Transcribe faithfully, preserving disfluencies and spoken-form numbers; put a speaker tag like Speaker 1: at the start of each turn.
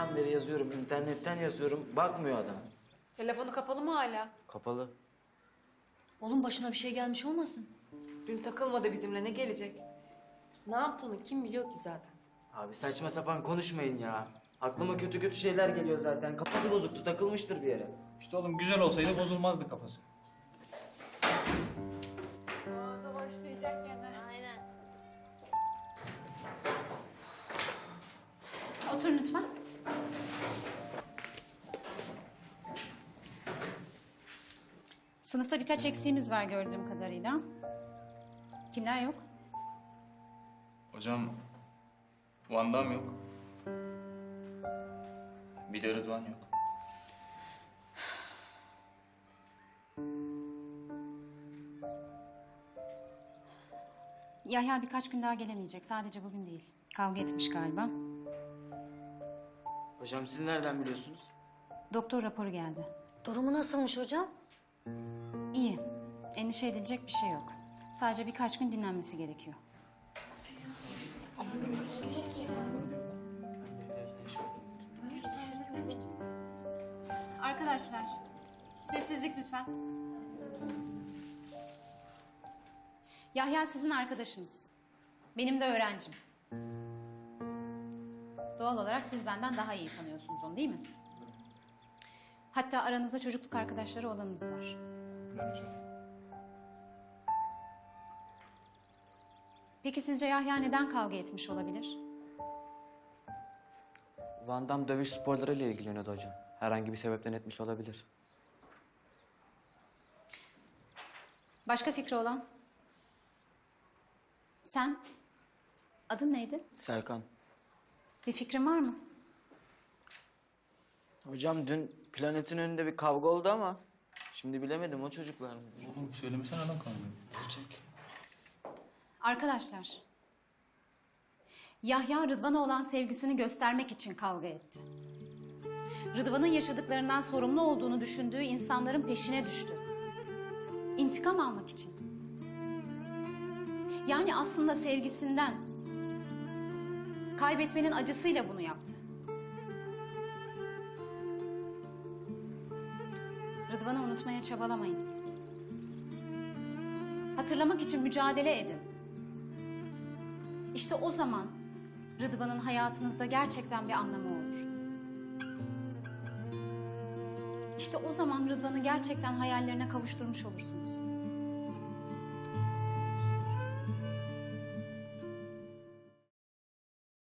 Speaker 1: başından beri yazıyorum, internetten yazıyorum. Bakmıyor adam.
Speaker 2: Telefonu kapalı mı hala?
Speaker 1: Kapalı.
Speaker 3: Oğlum başına bir şey gelmiş olmasın?
Speaker 2: Dün takılmadı bizimle, ne gelecek? Ne yaptığını kim biliyor ki zaten?
Speaker 1: Abi saçma sapan konuşmayın ya. Aklıma kötü kötü şeyler geliyor zaten. Kafası bozuktu, takılmıştır bir yere.
Speaker 4: İşte oğlum güzel olsaydı bozulmazdı kafası.
Speaker 2: Ağza başlayacak gene.
Speaker 3: Aynen. Oturun lütfen. Sınıfta birkaç eksiğimiz var gördüğüm kadarıyla. Kimler yok?
Speaker 5: Hocam, Van'dan yok. Bir de Rıdvan yok.
Speaker 3: Yahya birkaç gün daha gelemeyecek. Sadece bugün değil. Kavga etmiş galiba.
Speaker 1: Hocam siz nereden biliyorsunuz?
Speaker 3: Doktor raporu geldi.
Speaker 6: Durumu nasılmış hocam?
Speaker 3: İyi. Endişe edilecek bir şey yok. Sadece birkaç gün dinlenmesi gerekiyor. Arkadaşlar, sessizlik lütfen. Yahya sizin arkadaşınız. Benim de öğrencim. Doğal olarak siz benden daha iyi tanıyorsunuz onu, değil mi? Hatta aranızda çocukluk arkadaşları olanınız var.
Speaker 5: Ben hocam.
Speaker 3: Peki sizce Yahya neden kavga etmiş olabilir?
Speaker 7: Van Damme dövüş sporlarıyla ilgileniyordu hocam. Herhangi bir sebepten etmiş olabilir.
Speaker 3: Başka fikri olan? Sen? Adın neydi?
Speaker 7: Serkan.
Speaker 3: Bir fikrin var mı?
Speaker 1: Hocam dün planetin önünde bir kavga oldu ama... Şimdi bilemedim, o çocuklar mı?
Speaker 5: Oğlum söylemesene lan kanunu.
Speaker 1: Olacak.
Speaker 3: Arkadaşlar, Yahya Rıdvan'a olan sevgisini göstermek için kavga etti. Rıdvan'ın yaşadıklarından sorumlu olduğunu düşündüğü insanların peşine düştü. İntikam almak için. Yani aslında sevgisinden, kaybetmenin acısıyla bunu yaptı. Rıdvan'ı unutmaya çabalamayın. Hatırlamak için mücadele edin. İşte o zaman Rıdvan'ın hayatınızda gerçekten bir anlamı olur. İşte o zaman Rıdvan'ı gerçekten hayallerine kavuşturmuş olursunuz.